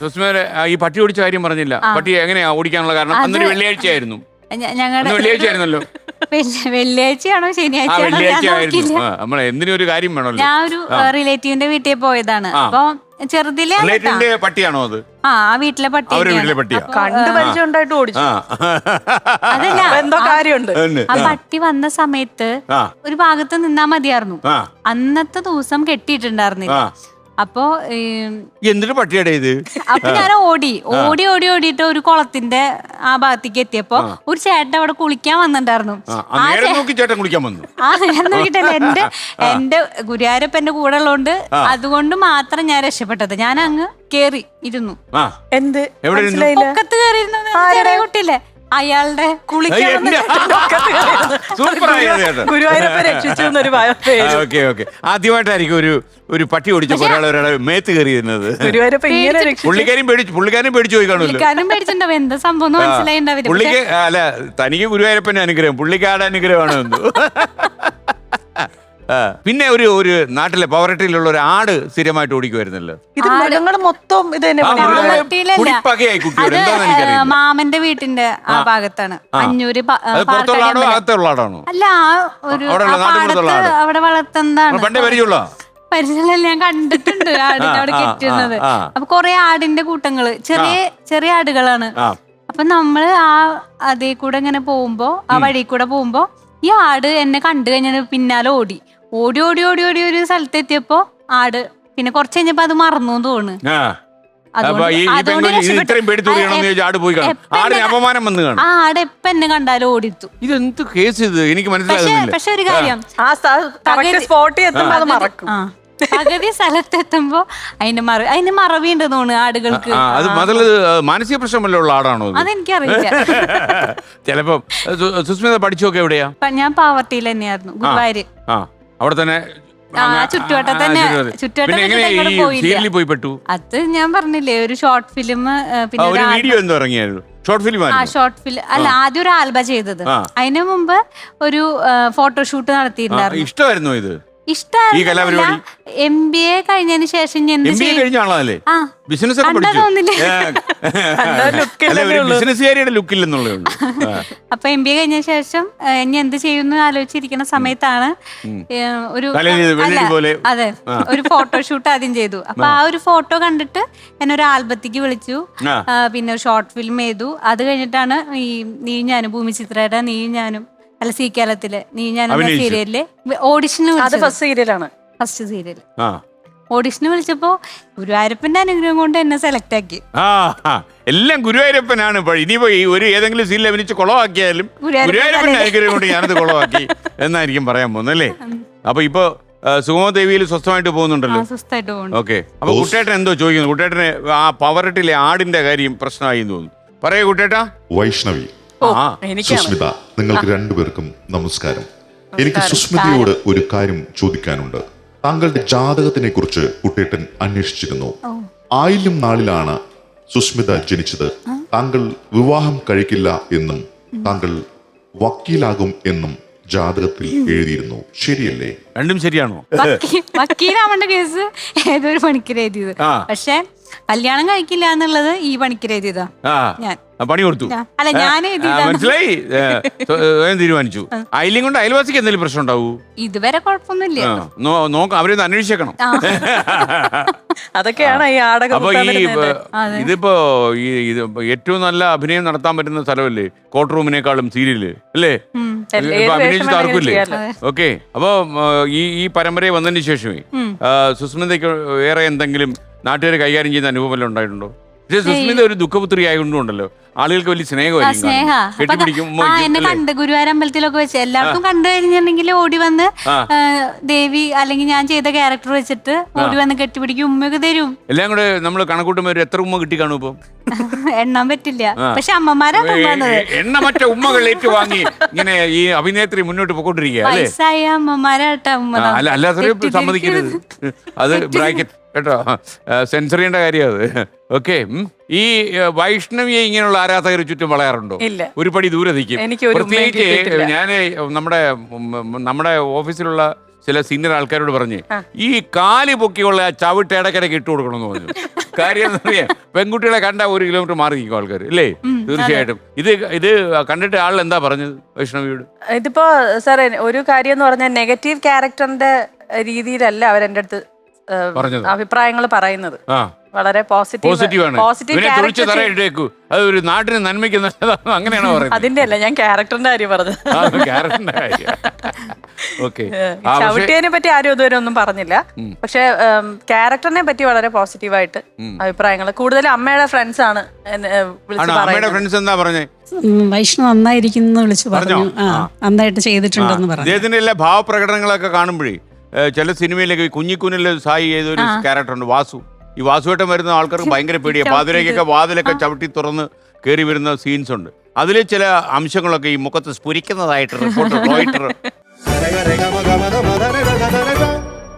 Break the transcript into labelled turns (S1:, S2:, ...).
S1: സുസ്മേരെ ഈ പട്ടി ഓടിച്ച കാര്യം പറഞ്ഞില്ല. പട്ടി എങ്ങനെയാ ഓടിക്കാനുള്ള കാരണം? അന്നൊരു വെള്ളിയാഴ്ചയായിരുന്നു.
S2: ഞങ്ങളുടെ
S1: വെള്ളിയാഴ്ച ആയിരുന്നല്ലോ.
S2: വെള്ളിയാഴ്ചയാണോ ശനിയാഴ്ച?
S1: നമ്മൾ എന്തിനും ഒരു കാര്യം വേണമല്ലോ.
S2: ഞാൻ ഒരു റിലേറ്റീവിന്റെ വീട്ടിൽ പോയതാണ്. അപ്പൊ ചെറുതിലെ
S1: പട്ടിയാണോ അത്?
S2: ആ വീട്ടിലെ പട്ടി.
S3: കണ്ടു പരിചയമുണ്ടായിട്ട് ഓടിച്ചു.
S2: അതല്ല,
S3: എന്തോ കാര്യമുണ്ട്.
S2: ആ പട്ടി വന്ന സമയത്ത് ഒരു ഭാഗത്ത് നിന്നാ മതിയായിരുന്നു. അന്നത്തെ ദിവസം കെട്ടിയിട്ടുണ്ടായിരുന്നില്ല. അപ്പൊ
S1: എന്തൊരു പട്ടിയുടെ ഇത്?
S2: അപ്പൊ ഞാൻ ഓടിയിട്ട് ഒരു കുളത്തിന്റെ ആ ഭാഗത്തേക്ക് എത്തിയപ്പോ ഒരു ചേട്ടൻ അവിടെ കുളിക്കാൻ വന്നിട്ടുണ്ടായിരുന്നു.
S1: ചേട്ടൻ കുളിക്കാൻ വന്നു.
S2: ഞാൻ നോക്കിട്ടല്ല, എന്റെ ഗുരുവായൂരപ്പന്റെ കൂടെ ഉള്ളതുകൊണ്ട് അതുകൊണ്ട് മാത്രം ഞാൻ രക്ഷപ്പെട്ടത്. ഞാൻ അങ്ങ് കേറി ഇരുന്നു.
S3: എന്ത്
S2: പൊക്കത്ത് കയറിയിരുന്നത് കുട്ടിയില്ലേ, അയാളുടെ
S3: ഗുരുവായൂരപ്പൻ രക്ഷിച്ചു.
S1: ആദ്യമായിട്ടായിരിക്കും ഒരു പട്ടി ഓടിച്ച ഒരാളെ മേത്ത് കയറിയിരുന്നത്. പുള്ളിക്കാരും പേടിച്ചു പോയി കാണുമല്ലോ.
S2: പേടിച്ചിട്ടുണ്ടാവും എന്താ സംഭവം മനസ്സിലായിണ്ടാവില്ല.
S1: പുള്ളിക്ക് അല്ല, തനിക്ക് ഗുരുവായൂരപ്പന്റെ അനുഗ്രഹം, പുള്ളിക്കാരുടെ അനുഗ്രഹമാണ് എന്തോ. പിന്നെ ഒരു നാട്ടിലെ പവറട്ടിയിലുള്ള ഒരു ആട് സ്ഥിരമായിട്ട് ഓടിക്കുമായിരുന്നല്ലോ.
S3: ഇത് മൃഗങ്ങൾ മൊത്തം ഇത് തന്നെ.
S2: മാമന്റെ വീട്ടിന്റെ ആ ഭാഗത്താണ്. അഞ്ഞൂര്
S1: അല്ല,
S2: അവിടെ വളർത്തുന്നതാണ്.
S1: പരിചയമുള്ള
S2: ഞാൻ കണ്ടിട്ടുണ്ട് ആടിനെ അവിടെ കെട്ടുന്നത്. അപ്പൊ കൊറേ ആടിന്റെ കൂട്ടങ്ങള്, ചെറിയ ആടുകളാണ്. അപ്പൊ നമ്മള് അതേ കൂടെ ഇങ്ങനെ പോകുമ്പോ, ആ വഴി കൂടെ പോകുമ്പോ ഈ ആട് എന്നെ കണ്ടു കഴിഞ്ഞാൽ പിന്നാലെ ഓടി ഒരു സ്ഥലത്തെത്തിയപ്പോ ആട് പിന്നെ കുറച്ച് കഴിഞ്ഞപ്പോ അത് മറന്നു തോന്നുന്നു. ആട് എപ്പ എന്നെ കണ്ടാലും ഓടിത്തു.
S1: ഇതെന്ത് കേസ് ഇത്? എനിക്ക് മനസ്സിലാകുന്നില്ല.
S2: പക്ഷെ ഒരു കാര്യം, പകുതി സ്ഥലത്തെത്തുമ്പോ അതിന് മറവിയുണ്ട് തോന്നുന്നു ആടുകൾക്ക്.
S1: അത് മാനസിക പ്രശ്നമല്ലുള്ള ആടാണോ?
S2: അതെനിക്കറിയില്ല.
S1: ചിലപ്പോ. സുസ്മിത പഠിച്ചൊക്കെ എവിടെയാ?
S2: ഞാൻ പാവർട്ടിയിൽ തന്നെയായിരുന്നു, ഗുരുവായൂര്.
S1: അവിടെ തന്നെ
S2: ചുറ്റുവട്ടം തന്നെ. അത് ഞാൻ പറഞ്ഞില്ലേ, ഒരു ഷോർട്ട് ഫിലിം, പിന്നെ
S1: വീഡിയോ എന്തോ ഇറങ്ങിയായിരുന്നു. ഷോർട്ട് ഫിലിം
S2: അല്ല, ആദ്യം ഒരു ആൽബം ചെയ്തത്. അതിനു മുമ്പ് ഒരു ഫോട്ടോഷൂട്ട് നടത്തിയിട്ടുണ്ടായിരുന്നു.
S1: ഇഷ്ടമായിരുന്നു ഇത്?
S2: ഇഷ്ടമായിരുന്നു. MBA കഴിഞ്ഞതിന് ശേഷം അപ്പൊ MBA കഴിഞ്ഞ ശേഷം ഇനി എന്ത് ചെയ്യുന്നു ആലോചിച്ചിരിക്കുന്ന സമയത്താണ് അതെ ഒരു ഫോട്ടോഷൂട്ട് ആദ്യം ചെയ്തു. അപ്പൊ ആ ഒരു ഫോട്ടോ കണ്ടിട്ട് എന്നെ ഒരു ആൽബത്തേക്ക് വിളിച്ചു. പിന്നെ ഒരു ഷോർട്ട് ഫിലിം ചെയ്തു. അത് കഴിഞ്ഞിട്ടാണ് ഈ നീ ഞാനും, ഭൂമി ചിത്രയുടെ നീ ഞാനും, അല്ല സി കേരളത്തില് നീ ഞാൻ സീരിയലില് ഓഡിഷന് ഫസ്റ്റ് സീരിയൽ ഓഡിഷന് വിളിച്ചപ്പോ ഗുരുവായൂരപ്പന്റെ അനുഗ്രഹം കൊണ്ട് എന്നെ സെലക്ട് ആക്കി.
S1: എല്ലാം ഗുരുവായൂരപ്പനാണ്. ഇനിയിപ്പോ ഒരു ഏതെങ്കിലും സീരിയൽ അഭിനയിച്ച് കുളമാക്കിയാലും ഗുരുവായൂരപ്പന്റെ അനുഗ്രഹം കൊണ്ട് ഞാനത് കുളമാക്കി എന്നായിരിക്കും പറയാൻ പോകുന്നല്ലേ. അപ്പൊ ഇപ്പൊ സുഗമദേവിയിൽ സ്വസ്ഥമായിട്ട് പോകുന്നുണ്ടല്ലോ.
S2: സ്വസ്ഥമായിട്ട് പോകുന്നു.
S1: ഓക്കെ. അപ്പൊ കുട്ടേട്ടൻ എന്തോ ചോദിക്കുന്നു. കുട്ടേട്ടന് ആ പവറട്ടിലെ ആടിന്റെ കാര്യം പ്രശ്നമായി തോന്നുന്നു. പറയൂ കുട്ടേട്ടാ.
S4: വൈഷ്ണവി, സുസ്മിത, നിങ്ങൾക്ക് രണ്ടുപേർക്കും നമസ്കാരം. എനിക്ക് സുസ്മിതയോട് ഒരു കാര്യം ചോദിക്കാനുണ്ട്. താങ്കളുടെ ജാതകത്തിനെ കുറിച്ച് കുട്ടേട്ടൻ അന്വേഷിച്ചിരുന്നു. ആയില്യം നാളിലാണ് സുസ്മിത ജനിച്ചത്. താങ്കൾ വിവാഹം കഴിക്കില്ല എന്നും താങ്കൾ വക്കീലാകും എന്നും ജാതകത്തിൽ എഴുതിയിരുന്നു. ശരിയല്ലേ?
S1: രണ്ടും ശരിയാണോ?
S2: വക്കീലാവേണ്ട കേസ് ഏതൊരു പണിക്കർ എഴുതിയത്. പക്ഷെ കല്യാണം കഴിക്കില്ല എന്നുള്ളത് ഈ പണിക്കർ എഴുതിയതാ. ഞാൻ
S1: പണി കൊടുത്തു.
S2: അല്ല, ഞാൻ
S1: മനസ്സിലായി. തീരുമാനിച്ചു. അയിലും കൊണ്ട് അയൽവാസിക്ക് എന്തെങ്കിലും പ്രശ്നം ഉണ്ടാവൂ?
S2: ഇതുവരെ കുഴപ്പമൊന്നുമില്ല.
S1: നോക്കാം, അവരൊന്ന് അന്വേഷിക്കണം.
S3: അതൊക്കെയാണ് ഈ ആടകം.
S1: അപ്പൊ ഇതിപ്പോ ഏറ്റവും നല്ല അഭിനയം നടത്താൻ പറ്റുന്ന സ്ഥലമല്ലേ കോർട്ട് റൂമിനേക്കാളും സീരിയല് അല്ലേ? അഭിനയിച്ചിട്ട് ആർക്കില്ലേ? ഓക്കെ. അപ്പൊ ഈ പരമ്പരയെ വന്നതിന് ശേഷമേ സുസ്മിതയ്ക്ക് വേറെ എന്തെങ്കിലും നാട്ടുകാർ കൈകാര്യം ചെയ്യുന്ന അനുഭവം ഉണ്ടായിട്ടുണ്ടോ? പക്ഷേ സുസ്മിത ഒരു ദുഃഖപുത്രി ആയതുകൊണ്ടല്ലോ ആളുകൾക്ക് വലിയ സ്നേഹമായിരിക്കും.
S2: എന്നെ കണ്ട് ഗുരുവായൂർ അമ്പലത്തിലൊക്കെ വെച്ച് എല്ലാവർക്കും കണ്ടു കഴിഞ്ഞിട്ടുണ്ടെങ്കിൽ ഓടി വന്ന് ദേവി അല്ലെങ്കിൽ ഞാൻ ചെയ്ത ക്യാരക്ടർ വെച്ചിട്ട് ഓടി വന്ന് കെട്ടിപ്പിടിക്കും, ഉമ്മയൊക്കെ തരും.
S1: എല്ലാം കൂടെ നമ്മൾ കണക്കൂട്ടുമ്പോ എത്ര ഉമ്മ കിട്ടി കാണും? ഇപ്പൊ
S2: എണ്ണാൻ പറ്റില്ല. പക്ഷെ അമ്മമാരാണ്
S1: എണ്ണമറ്റ ഉമ്മകൾ ഏറ്റുവാങ്ങി ഇങ്ങനെ ഈ അഭിനേത്രി മുന്നോട്ട് പോയിക്കൊണ്ടിരിക്കുക.
S2: വയസ്സായ അമ്മമാരാട്ടാ ഉമ്മ.
S1: അല്ലാത്ത സമ്മതിക്കരുത്. അത് ബ്രാക്കറ്റ് കേട്ടോ, സെൻസർ ചെയ്യേണ്ട കാര്യം അത്. ഓക്കെ. ഈ വൈഷ്ണവിയെ ഇങ്ങനെയുള്ള ആരാധകർ ചുറ്റും വളയാറുണ്ടോ? ഒരു പടി ദൂരെ നിൽക്കും. പ്രത്യേകിച്ച് ഞാൻ നമ്മുടെ ഓഫീസിലുള്ള ചില സീനിയർ ആൾക്കാരോട് പറഞ്ഞ് ഈ കാല് പൊക്കിയുള്ള ആ ചവിട്ട് ഇടയ്ക്കിടയ്ക്ക് ഇട്ട് കൊടുക്കണമെന്ന് പറഞ്ഞു. കാര്യം എന്താ പറയാ, പെൺകുട്ടികളെ കണ്ട 1 കിലോമീറ്റർ മാറി നിൽക്കും ആൾക്കാർ അല്ലേ? തീർച്ചയായിട്ടും. ഇത് കണ്ടിട്ട് ആൾ എന്താ പറഞ്ഞത് വൈഷ്ണവിയോട്?
S3: ഇതിപ്പോ സാർ ഒരു കാര്യം എന്ന് പറഞ്ഞാൽ നെഗറ്റീവ് ക്യാരക്ടറിന്റെ രീതിയിലല്ല അവരെന്റെ അടുത്ത് അഭിപ്രായങ്ങൾ പറയുന്നത്. വളരെ
S1: പോസിറ്റീവാണ്. അത് ഒരു നാട്ടിന് നന്മയ്ക്ക് നല്ലതാണ് അങ്ങനെയാണോ പറയുന്നത്?
S3: അതിന്റെ അല്ല, ഞാൻ ക്യാരക്ടറിന്റെ കാര്യം പറഞ്ഞത്.
S1: ക്യാരക്ടറിന്റെ കാര്യം. ഓക്കെ.
S3: ചവിട്ടിയതിനെ പറ്റി ആരും ഇതുവരെ ഒന്നും പറഞ്ഞില്ല. പക്ഷെ ക്യാരക്ടറിനെ പറ്റി വളരെ പോസിറ്റീവായിട്ട് അഭിപ്രായങ്ങൾ. കൂടുതലും അമ്മയുടെ ഫ്രണ്ട്സ് ആണ്
S1: അമ്മയുടെ ഫ്രണ്ട്സ് എന്താ പറഞ്ഞേ?
S5: വൈഷ്ണവ് നന്നായിരിക്കുന്നു വിളിച്ചു പറഞ്ഞു. നന്നായിട്ട് ചെയ്തിട്ടുണ്ടെന്ന് പറഞ്ഞു.
S1: അദ്ദേഹത്തിന്റെ എല്ലാ ഭാവപ്രകടനങ്ങളൊക്കെ കാണുമ്പോഴേ ചില സിനിമയിലൊക്കെ കുഞ്ഞിക്കുനിലെ സായി ചെയ്തൊരു ക്യാരക്ടറുണ്ട് വാസു. ഈ വാസുവേട്ടൻ വരുന്ന ആൾക്കാർക്ക് ഭയങ്കര പേടിയാണ്. പാതിരയ്ക്കൊക്കെ വാതിലൊക്കെ ചവിട്ടി തുറന്ന് കയറി വരുന്ന സീൻസ് ഉണ്ട്. അതിലെ ചില അംശങ്ങളൊക്കെ ഈ മുഖത്ത് സ്ഫുരിക്കുന്നതായിട്ട് റിപ്പോർട്ടർ